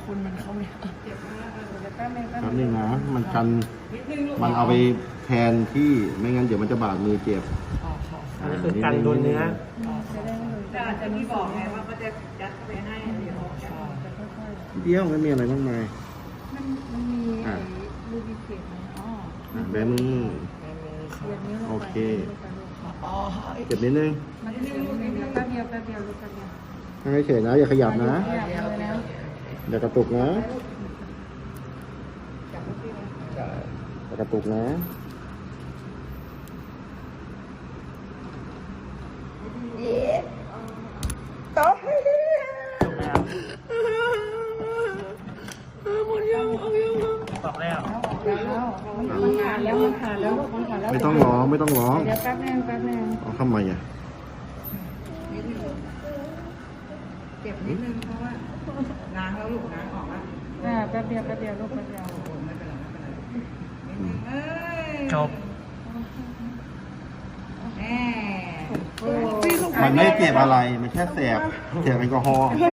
คุณมันเข้าไม่ได้เจ็บมากเลยแป๊บนึงครับนี่นะมันกันมันเอาไปแทนที่ไม่งั้นเดี๋ยวมันจะบาดมือเจ็บอันนี้คือกันโดนเนื้อจะได้ไม่แต่อาจจะที่บอกไงว่าเขาจะยัดเข้าไปให้เดี๋ยวจะค่อยๆเดียวไม่มีอะไรมากมายมันมีไอ้ลูบิเกตไหมอ๋อแบมือเดี๋ยวนี้ลงไปโอเคอ๋อเจ็บนิดนึงมันจะลูกเดียวแป๊บเดียวแป๊บเดียวลูกแป๊บเดียวให้เฉยนะอย่าขยับนะอยากเลยแล้วอย่ากระตุกนะอย่ากระตุกนะบอกแล้วแล้วมันขาดแล้วมันขาดแล้วลูกมันขาดแล้วไม่ต้องร้องไม่ต้องร้องเดี๋ยวแป๊บนึงแป๊บนึงเอาทำไมอ่ะเจ็บนิดนึงเพราะว่าล้างแล้วลูกล้างออกแล้วแป๊บเดียวแป๊บเดียวลูกแป๊บเดียวไม่เป็นไรไม่เป็นไรนิดนึงเอ้ยจบแม่มันไม่เจ็บอะไรมันแค่แสบแอลกอฮอล์